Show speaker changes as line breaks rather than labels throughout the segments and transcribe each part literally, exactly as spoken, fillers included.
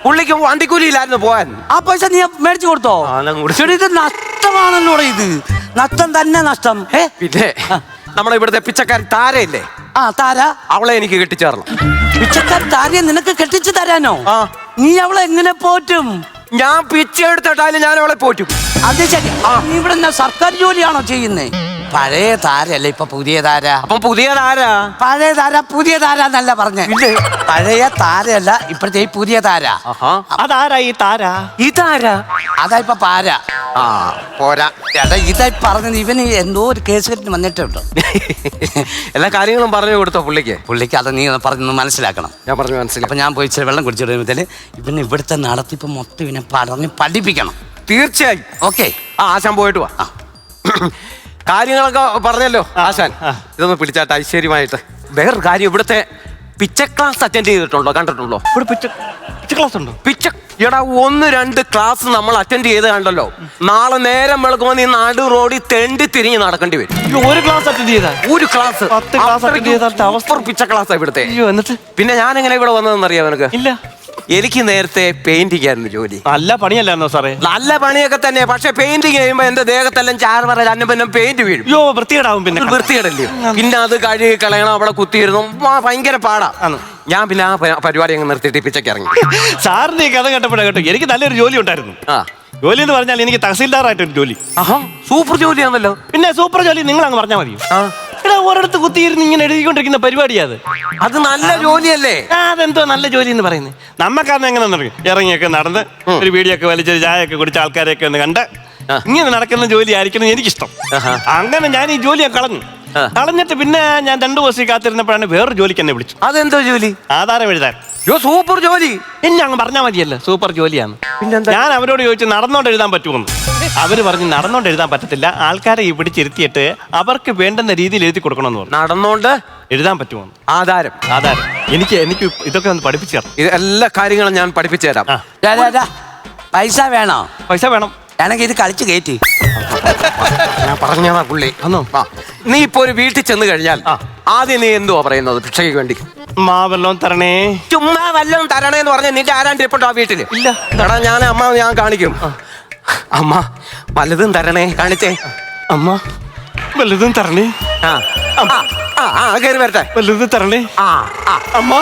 പുള്ളിക്ക് വണ്ടിക്കൂലിയില്ലായിരുന്നു പോവാൻ.
ആ പൈസ നീ മേടിച്ചു കൊടുത്തോ? ഇത് നഷ്ടമാണല്ലോ ഇത്, നഷ്ടം തന്നെ നഷ്ടം. ഏ
പിന്നെ നമ്മളെ ഇവിടുത്തെ പിച്ചക്കാരൻ താരയില്ലേ?
ആ താര,
അവളെ എനിക്ക് കെട്ടിച്ചേർന്നു.
പിച്ചക്കാരൻ താരയെ നിനക്ക് കെട്ടിച്ചു തരാനോ?
ആ.
നീ അവളെ എങ്ങനെ പോറ്റും?
ഞാൻ പിച്ച എടുത്തിട്ടാലും ഞാൻ അവളെ പോറ്റും.
അത് ശരി. നീ ഇവിടെ സർക്കാർ ജോലിയാണോ ചെയ്യുന്നേ? പഴയ താരല്ലേ ഇപ്പൊ പുതിയ താര?
അപ്പം പുതിയ താര?
പഴയ താര പുതിയ താര എന്നല്ല പറഞ്ഞേ. പഴയ താരയല്ല ഇപ്പഴത്തെ ഈ പുതിയ താര.
അതാരാ ഈ താര? ഈ താര
അതാ ഇപ്പൊ പാര.
ആ പോരാ
എടാ ഇതായി പറഞ്ഞത് ഇവന് എന്തോ ഒരു കേസ് കെട്ടി വന്നിട്ടുണ്ട്.
എല്ലാ കാര്യങ്ങളും പറഞ്ഞു കൊടുത്തോ പുള്ളിക്ക്?
പുള്ളിക്ക് അത് നീ പറഞ്ഞൊന്ന് മനസ്സിലാക്കണം.
ഞാൻ പറഞ്ഞു മനസ്സിലാക്കി.
അപ്പൊ ഞാൻ പോയി ഇച്ചിരി വെള്ളം കുടിച്ചിടുമ്പോഴത്തേന് ഇവന് ഇവിടുത്തെ നടത്തിപ്പ് മൊത്തം ഇവനെ പറഞ്ഞ് പഠിപ്പിക്കണം.
തീർച്ചയായും.
ഓക്കെ.
ആ ആശാൻ പോയിട്ട് വാ. കാര്യങ്ങളൊക്കെ പറഞ്ഞല്ലോ ആശാൻ. ഇതൊന്ന് പിടിച്ചാട്ടെ ഐശ്വര്യമായിട്ട്. വേറൊരു കാര്യം, ഇവിടുത്തെ പിച്ച ക്ലാസ് അറ്റൻഡ് ചെയ്തിട്ടുണ്ടോ? കണ്ടിട്ടുണ്ടോ? ഇവിടെ പിച്ച പിച്ച ക്ലാസ് ഉണ്ടോ? പിച്ച എടാ ഒന്ന് രണ്ട് ക്ലാസ് നമ്മൾ അറ്റൻഡ് ചെയ്ത് കണ്ടല്ലോ. നാളെ നേരം വെളുക്കുമ്പോൾ നീ നാട് റോഡിൽ തെണ്ടി തിരിഞ്ഞ് നടക്കേണ്ടി വരും.
ഒരു ക്ലാസ് അറ്റൻഡ് ചെയ്താ?
ഒരു ക്ലാസ് അവസ്ഥ പിച്ച ക്ലാസ് ഇവിടുത്തെ.
എന്നിട്ട്
പിന്നെ ഞാൻ എങ്ങനെ ഇവിടെ വന്നതെന്ന് അറിയാം നിനക്ക്?
ഇല്ല.
എനിക്ക് നേരത്തെ പെയിന്റിംഗ് ആയിരുന്നു ജോലി.
നല്ല പണിയല്ലായിരുന്നോ സാറേ?
നല്ല പണിയൊക്കെ തന്നെ. പക്ഷെ പെയിന്റിങ് ചെയ്യുമ്പോ എന്റെ ദേഹത്തെല്ലാം ചാറ് പറ അന്നപ്പം പെയിന്റ് വീഴും.
യോ വൃത്തികേടാവും. പിന്നെ
വൃത്തികേടല്ലേ? പിന്നെ അത് കഴുകി കളയണം, അവിടെ കുത്തിയിരുന്നു, ഭയങ്കര പാടാ. ഞാൻ പിന്നെ ആ പരിപാടി അങ്ങ് നിർത്തിയിട്ട് പിച്ചയ്ക്ക് ഇറങ്ങി.
സാറിന്റെ കഥ കേട്ടപ്പോഴാ കേട്ടോ എനിക്ക് നല്ലൊരു ജോലി ഉണ്ടായിരുന്നു. ആ ജോലി എന്ന് പറഞ്ഞാൽ എനിക്ക് തഹസീൽദാറായിട്ടൊരു ജോലി.
ആഹാ സൂപ്പർ ജോലിയാണല്ലോ.
പിന്നെ സൂപ്പർ ജോലി നിങ്ങൾ അങ്ങ് പറഞ്ഞാൽ മതി. എടാ ഒരിടത്ത് കുത്തിയിരുന്ന് ഇങ്ങനെ എഴുതിക്കൊണ്ടിരിക്കുന്ന പരിപാടിയാ അത്.
അത് നല്ല ജോലിയല്ലേ?
അതെന്തോ നല്ല ജോലി എന്ന് പറയുന്നത്. നമ്മക്കാന്ന് എങ്ങനെ അറിയും? ഇറങ്ങിയൊക്കെ നടന്ന് ഒരു വീടിയൊക്കെ വലിച്ചൊരു ചായയൊക്കെ കുടിച്ച ആൾക്കാരെയൊക്കെ ഒന്ന് കണ്ട് ഇങ്ങനെ നടക്കുന്ന ജോലി ആയിരിക്കണം എനിക്കിഷ്ടം. അങ്ങനെ ഞാൻ ഈ ജോലിയെ കളഞ്ഞു. കളഞ്ഞിട്ട് പിന്നെ ഞാൻ രണ്ടു ദിവസം കാത്തിരുന്നപ്പോഴാണ് വേറൊരു ജോലിക്ക് എന്നെ വിളിച്ചു.
അതെന്തോ ജോലി?
ആധാരം എഴുതാൻ.
യോ സൂപ്പർ ജോലി.
എന്നെ അങ്ങ് പറഞ്ഞാൽ മതിയല്ലോ സൂപ്പർ ജോലിയാണ്. ഞാൻ അവരോട് ചോദിച്ചു നടന്നോണ്ട് എഴുതാൻ പറ്റുമെന്ന്. അവര് പറഞ്ഞു നടന്നോണ്ട് എഴുതാൻ പറ്റത്തില്ല, ആൾക്കാരെ പിടിച്ചിരുത്തിയിട്ട് അവർക്ക് വേണ്ടുന്ന രീതിയിൽ എഴുതി കൊടുക്കണമെന്ന് പറഞ്ഞു.
നടന്നോണ്ട്
എഴുതാൻ പറ്റുമോ?
ആധാരം
ആധാരം എനിക്ക് എനിക്ക് ഇതൊക്കെ ഒന്ന് പഠിപ്പിച്ചു തരാം.
ഇത് എല്ലാ കാര്യങ്ങളും ഞാൻ പഠിപ്പിച്ചു തരാം.
പൈസ വേണോ?
പൈസ വേണം.
ഞാനെങ്കിൽ ഇത് കളിച്ച് കയറ്റി.
ഞാൻ പറഞ്ഞതാ പുള്ളി. നീ ഇപ്പൊ ഒരു വീട്ടിൽ ചെന്ന് കഴിഞ്ഞാൽ ആദ്യം നീ എന്തുവാ പറയുന്നത് ഭിക്ഷയ്ക്ക് വേണ്ടി?
മാ വല്ലോം തരണേ.
ചുമ്മാ വല്ലതും തരണേന്ന് പറഞ്ഞ നിന്റെ ആരാണ്ട് ഇരിപ്പുണ്ടോ ആ വീട്ടില്?
ഇല്ല.
എടാ ഞാൻ അമ്മ ഞാൻ കാണിക്കും. അമ്മ വല്ലതും തരണേ, കാണിച്ചേ.
അമ്മ വല്ലതും തരണേ.
ആ ആ കയറി വരട്ടെ.
വല്ലതും തരണേ.
ആ
അമ്മ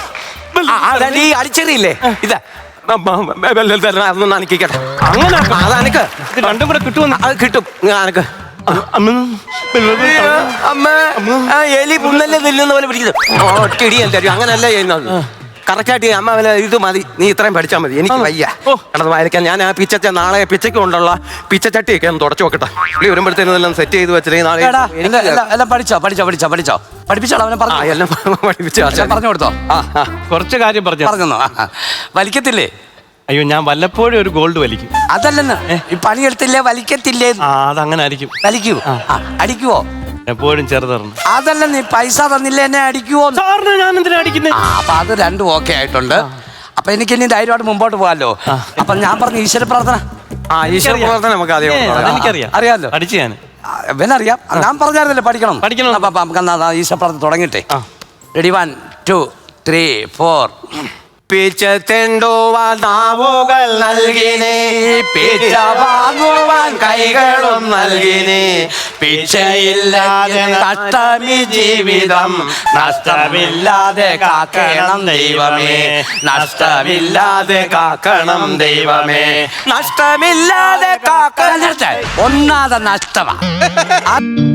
ഈ അടിച്ചെറിയില്ലേ ഇതാ അതൊന്നും നനക്കിക്കട്ടെ.
അങ്ങനെ
അതനക്ക്
രണ്ടും കൂടെ കിട്ടുമെന്ന്.
അത് കിട്ടും. അനക്ക് അമ്മ എലി പുന്നല്ലേ തില്ലുന്ന പോലെ പിടിക്കുന്നത് ഒറ്റടി എന്തായാലും അങ്ങനെയല്ല ചെയ്യുന്നത്. കറക്റ്റായിട്ട് അമ്മ ഇത് മതി, നീ ഇത്രയും പഠിച്ചാൽ മതി. എനിക്ക് വയ്യ കടന്ന് വായിക്കാൻ. ഞാൻ ആ പിച്ച നാളെ പിച്ചയ്ക്ക് കൊണ്ടുള്ള പിച്ചച്ചട്ടിയൊക്കെ ഒന്ന് തുടച്ചു നോക്കട്ടെ. പുള്ളി വരുമ്പോഴത്തേനും സെറ്റ് ചെയ്ത് വെച്ചിട്ട് നാളെ
എല്ലാം പഠിച്ചോ പഠിച്ചോ പഠിച്ചോ പഠിച്ചോ പഠിപ്പിച്ചോ അവനെ
എല്ലാം പഠിപ്പിച്ചോ
പറഞ്ഞു കൊടുത്തോ?
കുറച്ച് കാര്യം പറഞ്ഞു
പറഞ്ഞോ. വലിക്കത്തില്ലേ?
അയ്യോ ഞാൻ വല്ലപ്പോഴും ഒരു ഗോൾഡ് വലിക്കും.
അതല്ലെന്ന് ഈ പണിയെടുത്തില്ലേ വലിക്കത്തില്ലേ?
അതങ്ങനെ ആയിരിക്കും.
വലിക്കൂ? അടിക്കുവോ?
എപ്പോഴും ചെറുതറന്നു.
അതല്ല നീ പൈസ തന്നില്ലേ എന്നെ അടിക്കുവോ?
സാറിന് ഞാൻ എന്തിനാ അടിക്കുന്നത്?
അപ്പൊ അത് രണ്ടും ഓക്കെ ആയിട്ടുണ്ട്. അപ്പൊ എനിക്ക് ഇനി ധൈര്യമായിട്ട് മുമ്പോട്ട് പോകാമല്ലോ. അപ്പൊ ഞാൻ പറഞ്ഞു ഈശ്വര പ്രാർത്ഥന.
ആ ഈശ്വര പ്രാർത്ഥന നമുക്ക്
എനിക്കറിയാം,
അറിയാമല്ലോ.
പഠിച്ചു ഞാൻ.
ഇവനറിയാം. ഞാൻ പറഞ്ഞായിരുന്നല്ലേ പഠിക്കണം
പഠിക്കണം.
അപ്പൊ നമുക്ക് ഈശ്വര പ്രാർത്ഥന തുടങ്ങിട്ടെ. Ready one two three four.
പിച്ചത്തെണ്ടുവാൻ നാവുകൾ നൽകിനേ, പിച്ച വാങ്ങുവാൻ കൈകളും നൽകിനേ. പിച്ചയില്ലാതെ നഷ്ടമി ജീവിതം, നഷ്ടമില്ലാതെ കാക്കണം ദൈവമേ, നഷ്ടമില്ലാതെ കാക്കണം ദൈവമേ, നഷ്ടമില്ലാതെ കാക്കണം.
ഒന്നാതെ നഷ്ടമാ.